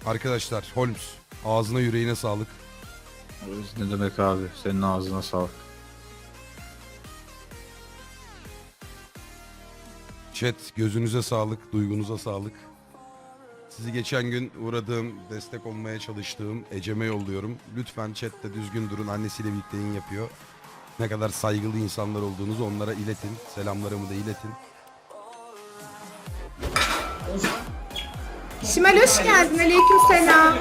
Arkadaşlar Holmes ağzına yüreğine sağlık. Ne demek abi? Senin ağzına sağlık. Chat gözünüze sağlık, duygunuza sağlık. Sizi geçen gün uğradığım, destek olmaya çalıştığım Ecem'e yolluyorum. Lütfen chatte düzgün durun. Annesiyle birlikte yayın yapıyor. Ne kadar saygılı insanlar olduğunuzu onlara iletin. Selamlarımı da iletin. Şimal hoş geldin. Aleykümselam.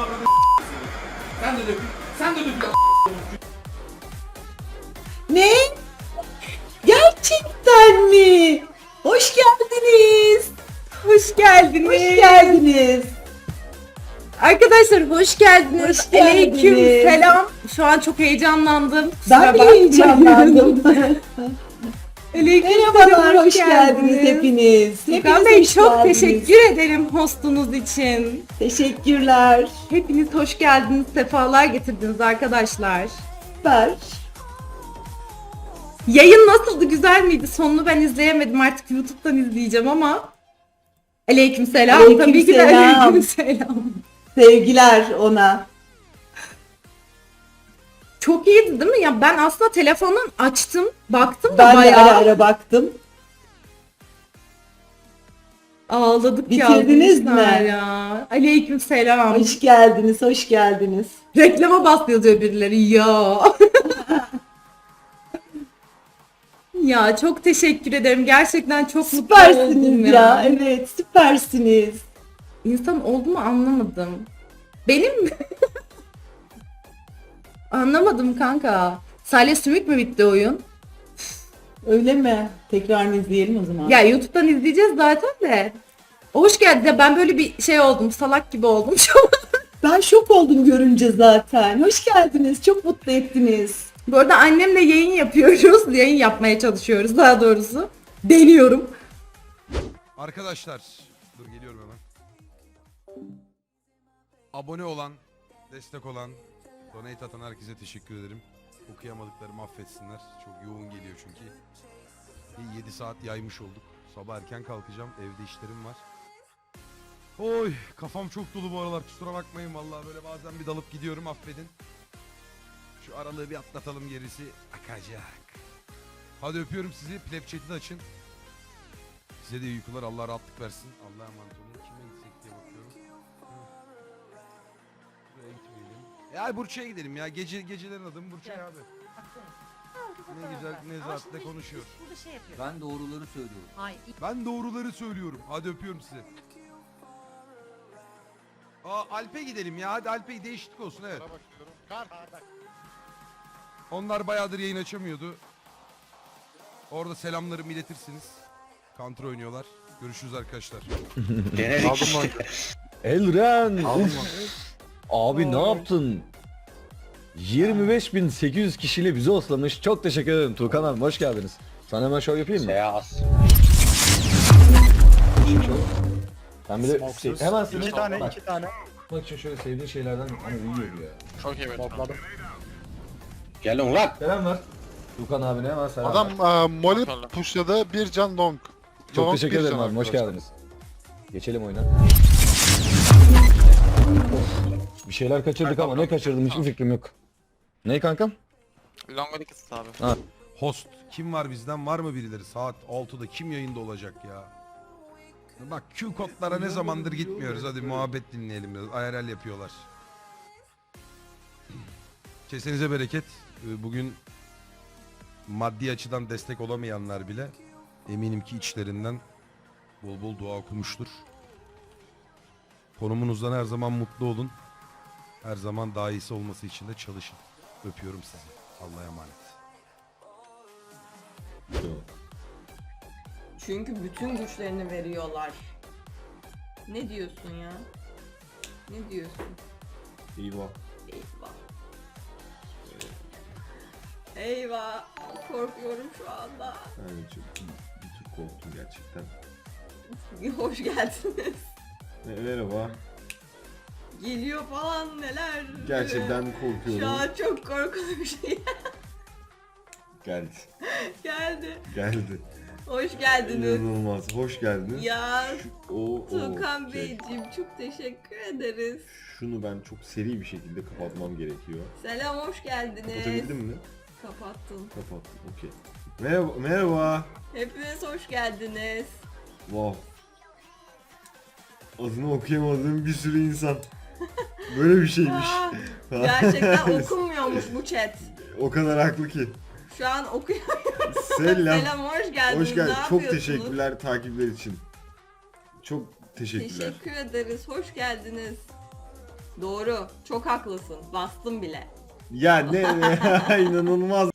Sen de dökül. Ne? Gerçekten mi? Hoş geldiniz. Hoş geldiniz. Hoş geldiniz. Arkadaşlar hoş geldiniz. Hoş geldiniz. Aleykümselam. Şu an çok heyecanlandım. Ben bile heyecanlandım. Aleykümselam. Merhabalar, hoş geldiniz hepiniz. Furkan Bey hoş çok geldiniz. teşekkür ederim hostunuz için. Teşekkürler. Hepiniz hoş geldiniz. Sefalar getirdiniz arkadaşlar. Süper. Yayın nasıldı? Güzel miydi? Sonunu ben izleyemedim. Artık YouTube'dan izleyeceğim ama. Aleykümselam. Tabii ki de Aleykümselam. aleykümselam. Sevgiler ona. Çok iyiydi değil mi? Ya ben aslında telefondan açtım, baktım da Ben de bayağı ara ara baktım. ağladık ya. Bitirdiniz arkadaşlar mi? Ya. Aleykümselam. Hoş geldiniz, hoş geldiniz. Reklama bas yazıyor birileri. Ya. Ya çok teşekkür ederim. Gerçekten çok mutlu oldum Süpersiniz ya. ya. Evet, süpersiniz. İnsan oldu mu anlamadım. Benim mi? Anlamadım kanka. Salih Sümük mü bitti oyun? Öyle mi? Tekrar izleyelim o zaman. Ya YouTube'dan izleyeceğiz zaten de. Hoş geldin. Ya ben böyle bir şey oldum. Salak gibi oldum şu an. Ben şok oldum görünce zaten. Hoş geldiniz. Çok mutlu ettiniz. Bu arada annemle yayın yapıyoruz. Yayın yapmaya çalışıyoruz daha doğrusu. Deniyorum. Arkadaşlar dur geliyorum hemen. Abone olan, destek olan, donate atan herkese teşekkür ederim. Okuyamadıklarımı affetsinler. Çok yoğun geliyor çünkü. 7 saat yaymış olduk. Sabah erken kalkacağım. Evde işlerim var. Oy kafam çok dolu bu aralar. Kusura bakmayın vallahi böyle bazen bir dalıp gidiyorum affedin. Şu aralığı bir atlatalım gerisi akacak. Hadi öpüyorum sizi. Pleb chat'i de açın. Size de iyi uykular. Allah rahatlık versin. Allah'a emanet olun. Kime gitsek diye bakıyorum. Buraya gitmeyelim. Ya Burça'ya gidelim ya. Gecelerin adı mı Burçay abi. Ne güzel nezahatle konuşuyor. Burada şey yapıyor. Ben doğruları söylüyorum. Hayır. Ben doğruları söylüyorum. Hadi öpüyorum sizi. Alp'e gidelim ya. Hadi Alp'e değişiklik olsun evet. Onlar bayağıdır yayın açamıyordu. Orada selamlarımı iletirsiniz. Counter oynuyorlar. Görüşürüz arkadaşlar. Aldım lan. Elren. Aldım Uf. Abi ne yaptın? 25.800 kişiyle bizi oslamış. Çok teşekkür ederim Turkan abi, hoş geldiniz. Sana hemen şov yapayım mı? Ben bir de hemen İki tane, bak, iki tane. bak için şöyle sevdiğin şeylerden hani uyuyor ya. Çok iyi Topladım. Gelin lan. Selam ver. Turkan abine hemen selam Adam ver. Molly pushladı, bir can long. Çok Long, teşekkür bir ederim can abi, hoş arkadaşlar. geldiniz. Geçelim oyuna. Bir şeyler kaçırdık ama ne kaçırdım hiçbir fikrim yok. Ne kankam? Longa dikkat abi. Host kim var bizden, var mı birileri? Saat 6'da kim yayında olacak ya? Bak Q kodlara ne zamandır gitmiyoruz. Hadi muhabbet dinleyelim biraz. IRL yapıyorlar. Kesenize bereket. Bugün maddi açıdan destek olamayanlar bile eminim ki içlerinden bol bol dua okumuştur. Konumunuzdan her zaman mutlu olun. Her zaman daha iyisi olması için de çalışın. Öpüyorum sizi. Allah'a emanet. Çünkü bütün güçlerini veriyorlar. Ne diyorsun ya? Ne diyorsun? Eyvah. Eyvah. Eyvah. Korkuyorum şu anda. Evet bir tık korktum gerçekten. Hoş geldiniz. Merhaba. Geliyor falan neler. Gerçekten Şu korkuyorum. an çok korkunç bir şey Geldi. geldi. Geldi. Hoş geldiniz. İnanılmaz. Hoş geldiniz. Ya O, Tuğkan okey. Beyciğim çok teşekkür ederiz. Şunu ben çok seri bir şekilde kapatmam gerekiyor. Selam hoş geldiniz. Kapatabildim mi? Kapattım. Kapattım. Okey. Merhaba. Merhaba. Hepiniz hoş geldiniz. Wow. Adını okuyamadığım bir sürü insan. Böyle bir şeymiş. Aa, gerçekten okunmuyormuş bu chat. O kadar haklı ki. Şu an okuyorum. Selam. Selam hoş geldiniz. Hoş geldin. Ne Çok yapıyorsunuz? teşekkürler takipler için. Çok teşekkürler. Teşekkür ederiz. Hoş geldiniz. Doğru. Çok haklısın. Bastım bile. Ya ne inanılmaz